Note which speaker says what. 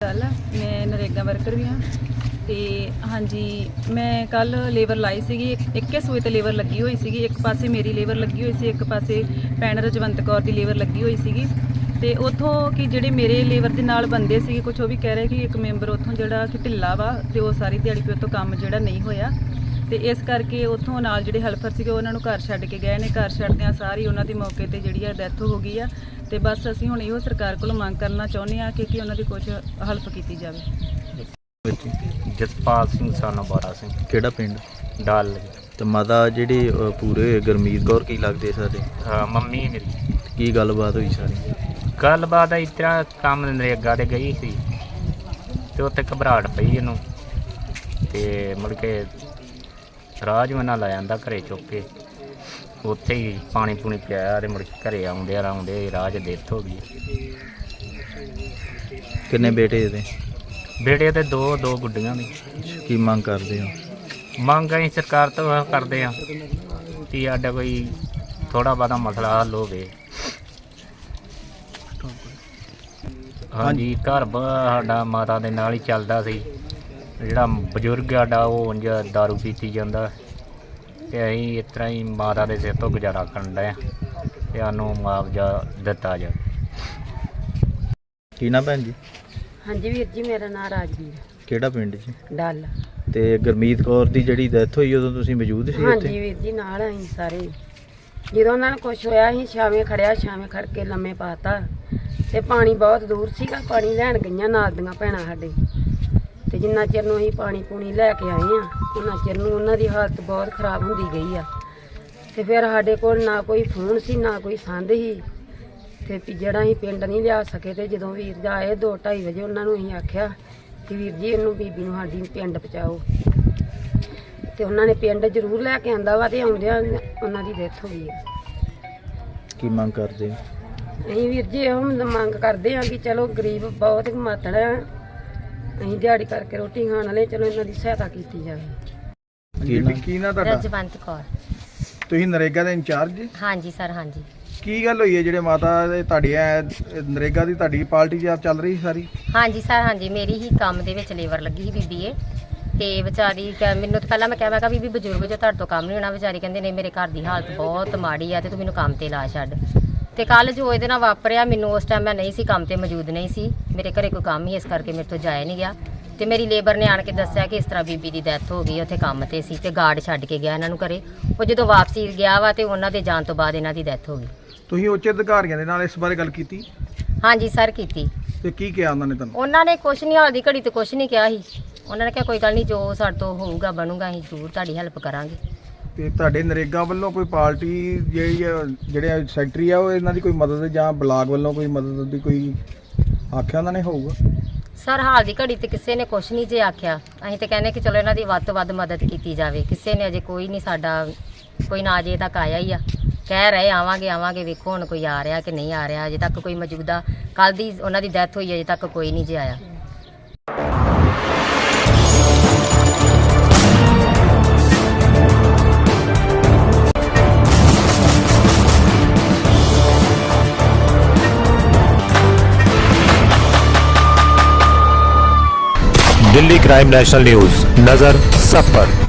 Speaker 1: मैं नरेगा वर्कर भी हाँ तो हाँ जी मैं कल लेबर लाई सी एक सूए तो लेबर लगी हुई सी, एक पासे मेरी लेबर लगी हुई सी, एक पासे भैन रजवंत कौर की लेबर लगी हुई सी। तो उतों कि जोड़े मेरे लेबर के नाल बंदे सी कुछ वो भी कह रहे कि एक मैंबर उतों जोड़ा कि ढिला वा तो सारी दिहाड़ी पे उतों काम जोड़ा नहीं होया, तो इस करके उतों नाल जोड़े हेल्पर से उन्होंने घर छड्ड के गए ने। घर छड्डदियां सारी उन्हों की मौके पर जी डैथ हो गई है। तो बस असीं हुण इहो सरकार कोलों मंग करना चाहुंदे हां कि उन्हों की कुछ हेल्प की जाए।
Speaker 2: जसपाल सिंह सन बारा सिंह
Speaker 3: ਕਿਹੜਾ ਪਿੰਡ
Speaker 2: डाल
Speaker 3: ਤੇ ਮਾਤਾ ਜਿਹੜੀ ਪੂਰੇ ਗੁਰਮੀਤ ਕੌਰ ਕੀ ਲੱਗਦੇ ਸਾਡੇ?
Speaker 2: हाँ मम्मी मेरी
Speaker 3: ਕੀ ਗੱਲਬਾਤ ਹੋਈ ਸਾਰੀ?
Speaker 2: गलबात इस तरह काम नरेगा ते गई सी ते उत्थे घबराहट पई इहनूं ते मुड़ के राजमना लै आंदा घरे चुक के, उत्थे ही पानी पूनी पियाया ते मुड़ के घरे आउंदे राह च डेथ हो गई।
Speaker 3: ਕਿੰਨੇ ਬੇਟੇ ਇਹਦੇ?
Speaker 2: बेटे ते दो गुड्डियां ने।
Speaker 3: ਕੀ ਮੰਗ ਕਰਦੇ ਹੋ?
Speaker 2: मंग असीं सरकार तो करदे हां कि साडा कोई थोड़ा बहुता मसला हल होवे। हाँ जी घर साडा माता दे नाल ही चलदा सी, जिहड़ा बजुर्ग साडा ओह उंज दारू पीती जांदा ते असीं इस तरह ही माता दे सिर तो गुजारा करन डे ते सानूं मुआवजा दित्ता जाए।
Speaker 3: ਕੀ ਨਾ ਭੈਣ ਜੀ?
Speaker 4: हाँ जी वीर जी मेरा नाम राजवीर
Speaker 3: ਕਿਹੜਾ ਪਿੰਡ ਜੀ?
Speaker 4: डल।
Speaker 3: ਤੇ ਗੁਰਮੀਤ ਕੌਰ ਦੀ ਜਿਹੜੀ ਡੈਥ ਹੋਈ ਉਦੋਂ ਤੁਸੀਂ ਮੌਜੂਦ ਸੀ
Speaker 4: हाँ
Speaker 3: ਉੱਥੇ?
Speaker 4: जी वीर जी नाल असीं सारे ਜਦੋਂ ਉਹਨਾਂ ਨੂੰ ਕੁਛ ਹੋਇਆ ਅਸੀਂ ਛਾਵੇਂ ਖੜਿਆ, ਛਾਵੇਂ ਖੜ ਕੇ ਲੰਮੇ ਪਾਤਾ ਤੇ ਪਾਣੀ ਬਹੁਤ ਦੂਰ ਸੀਗਾ। ਪਾਣੀ ਲੈਣ ਗਈਆਂ ਨਾਲ ਦੀਆਂ ਭੈਣਾਂ ਸਾਡੇ, ਤੇ ਜਿੰਨਾ ਚਿਰ ਨੂੰ ਅਸੀਂ ਪਾਣੀ ਪੂਣੀ ਲੈ ਕੇ ਆਏ ਆ ਉਹਨਾਂ ਚਿਰ ਨੂੰ ਉਹਨਾਂ ਦੀ ਹਾਲਤ ਬਹੁਤ ਖਰਾਬ ਹੁੰਦੀ ਗਈ ਆ। ਤੇ ਫਿਰ ਸਾਡੇ ਕੋਲ ਨਾ ਕੋਈ ਫੋਨ ਸੀ ਨਾ ਕੋਈ ਸੰਦ ਸੀ, ਤੇ ਜਿਹੜਾ ਅਸੀਂ ਪਿੰਡ ਨਹੀਂ ਲਿਆ ਸਕੇ। ਤੇ ਜਦੋਂ ਵੀਰ ਜੀ ਆਏ 2:30 ਵਜੇ ਉਹਨਾਂ ਨੂੰ ਅਸੀਂ ਆਖਿਆ ਕਿ ਵੀਰ ਜੀ ਇਹਨੂੰ ਬੀਬੀ ਨੂੰ ਸਾਡੀ ਪਿੰਡ ਪਹੁੰਚਾਓ, ਤੇ ਉਹਨਾਂ ਨੇ ਪਿੰਡ ਜ਼ਰੂਰ ਲੈ ਕੇ ਆਂਦਾ ਵਾ ਤੇ ਆਉਂਦਿਆਂ ਉਹਨਾਂ ਦੀ ਡੈਥ ਹੋ ਗਈ ਹੈ।
Speaker 3: ਕੀ ਮੰਗ ਕਰਦੇ ਹੋ?
Speaker 4: ਅਸੀਂ ਵੀਰ ਜੀ ਇਹੋ ਮੰਗ ਕਰਦੇ ਹਾਂ ਕਿ ਚਲੋ ਗਰੀਬ ਬਹੁਤ ਮਾਤੜ ਆ, ਅਸੀਂ ਦਿਹਾੜੀ ਕਰਕੇ ਰੋਟੀ ਖਾਣ ਵਾਲੇ, ਚਲੋ ਇਹਨਾਂ ਦੀ ਸਹਾਇਤਾ ਕੀਤੀ ਜਾਵੇ।
Speaker 3: ਕੀ ਨਾ ਤੁਹਾਡਾ?
Speaker 5: ਰਜਵੰਤ ਕੌਰ।
Speaker 3: ਤੁਸੀਂ ਨਰੇਗਾ ਦੇ ਇੰਚਾਰਜ?
Speaker 5: ਹਾਂਜੀ ਸਰ ਹਾਂਜੀ।
Speaker 3: ਕੀ ਗੱਲ ਹੋਈ ਹੈ ਜਿਹੜੇ ਮਾਤਾ ਦੇ ਤੁਹਾਡੀ ਨਰੇਗਾ ਦੀ ਤੁਹਾਡੀ ਪਾਰਟੀ ਜੀ ਚੱਲ ਰਹੀ ਸਾਰੀ?
Speaker 5: ਹਾਂਜੀ ਸਰ ਹਾਂਜੀ, ਮੇਰੀ ਹੀ ਕੰਮ ਦੇ ਵਿੱਚ ਲੇਬਰ ਲੱਗੀ ਸੀ ਬੀਬੀ ਏ, ਤੇ ਵਿਚਾਰੀ ਮੈਨੂੰ ਤਾਂ ਪਹਿਲਾਂ ਮੈਂ ਕਿਹਾ ਬੀਬੀ ਬਜ਼ੁਰਗ ਜੋ ਤੁਹਾਡੇ ਤੋਂ ਕੰਮ ਨਹੀਂ ਹੋਣਾ। ਵਿਚਾਰੀ ਕਹਿੰਦੇ ਨਹੀਂ ਮੇਰੇ ਘਰ ਦੀ ਹਾਲਤ ਬਹੁਤ ਮਾੜੀ ਆ ਤੇ ਤੂੰ ਮੈਨੂੰ ਕੰਮ ਤੇ ਲਾ ਛੱਡ। ਤੇ ਕੱਲ ਜੋ ਇਹਦੇ ਨਾਲ ਵਾਪਰਿਆ, ਮੈਨੂੰ ਉਸ ਟਾਈਮ ਮੈਂ ਨਹੀਂ ਸੀ ਕੰਮ ਤੇ ਮੌਜੂਦ ਨਹੀਂ ਸੀ, ਮੇਰੇ ਘਰੇ ਕੋਈ ਕੰਮ ਹੀ ਇਸ ਕਰਕੇ ਮੇਰੇ ਤੋਂ ਜਾਇਆ ਨਹੀਂ ਗਿਆ। ਤੇ ਮੇਰੀ ਲੇਬਰ ਨੇ ਆਣ ਕੇ ਦੱਸਿਆ ਕਿ ਇਸ ਤਰ੍ਹਾਂ ਬੀਬੀ ਦੀ ਡੈਥ ਹੋ ਗਈ, ਉੱਥੇ ਕੰਮ ਤੇ ਸੀ ਤੇ ਗਾਰਡ ਛੱਡ ਕੇ ਗਿਆ ਇਹਨਾਂ ਨੂੰ ਘਰੇ। ਉਹ ਜਦੋਂ ਵਾਪਸੀ ਗਿਆ ਵਾ ਤੇ ਉਹਨਾਂ ਦੇ ਜਾਣ ਤੋਂ ਬਾਅਦ ਇਹਨਾਂ ਦੀ ਡੈਥ ਹੋ ਗਈ।
Speaker 3: ਤੁਸੀਂ ਉੱਚ ਅਧਿਕਾਰੀਆਂ ਦੇ ਨਾਲ ਇਸ ਬਾਰੇ ਗੱਲ ਕੀਤੀ?
Speaker 5: ਹਾਂਜੀ ਸਰ ਕੀਤੀ।
Speaker 3: ਤੇ ਕੀ ਕਿਹਾ ਉਹਨਾਂ ਨੇ ਤੁਹਾਨੂੰ?
Speaker 5: ਉਹਨਾਂ ਨੇ ਕੁਛ ਨਹੀਂ, ਹਾਲ ਦੀ ਘੜੀ ਤੇ ਕੁਛ ਨਹੀਂ ਕਿਹਾ ਸੀ। ਉਹਨਾਂ ਨੇ ਕਿਹਾ ਕੋਈ ਗੱਲ ਨਹੀਂ, ਜੋ ਸਾਡੇ ਤੋਂ ਹੋਊਗਾ ਬਣੂਗਾ ਅਸੀਂ ਜ਼ਰੂਰ ਤੁਹਾਡੀ ਹੈਲਪ ਕਰਾਂਗੇ।
Speaker 3: ਤੇ ਤੁਹਾਡੇ ਨਰੇਗਾ ਵੱਲੋਂ ਕੋਈ ਪਾਰਟੀ ਜਿਹੜੇ ਸੈਕਟਰੀ ਆ ਉਹ ਇਹਨਾਂ ਦੀ ਕੋਈ ਮਦਦ ਜਾਂ ਬਲਾਕ ਵੱਲੋਂ ਕੋਈ ਮਦਦ ਦੀ ਕੋਈ ਆਖਿਆ ਉਹਨਾਂ ਨੇ ਹੋਊਗਾ?
Speaker 5: ਸਰ ਹਾਲ ਦੀ ਘੜੀ ਤੇ ਕਿਸੇ ਨੇ ਕੁਛ ਨਹੀਂ ਜੇ ਆਖਿਆ। ਅਸੀਂ ਤੇ ਕਹਿੰਦੇ ਕਿ ਚਲੋ ਇਹਨਾਂ ਦੀ ਵੱਧ ਤੋਂ ਵੱਧ ਮਦਦ ਕੀਤੀ ਜਾਵੇ। ਕਿਸੇ ਨੇ ਅਜੇ ਕੋਈ ਨਹੀਂ, ਸਾਡਾ ਕੋਈ ਨਾ ਅਜੇ ਤੱਕ ਆਇਆ ਹੀ ਆ। ਕਹਿ ਰਹੇ ਆਵਾਂਗੇ, ਵੇਖੋ ਹੁਣ ਕੋਈ ਆ ਰਿਹਾ ਕਿ ਨਹੀਂ ਆ ਰਿਹਾ। ਅਜੇ ਤੱਕ ਕੋਈ ਮੌਜੂਦਾ, ਕੱਲ ਦੀ ਉਹਨਾਂ ਦੀ ਡੈਥ ਹੋਈ, ਅਜੇ ਤੱਕ ਕੋਈ ਨਹੀਂ ਜੇ ਆਇਆ।
Speaker 6: दिल्ली क्राइम नेशनल न्यूज, नजर सब पर।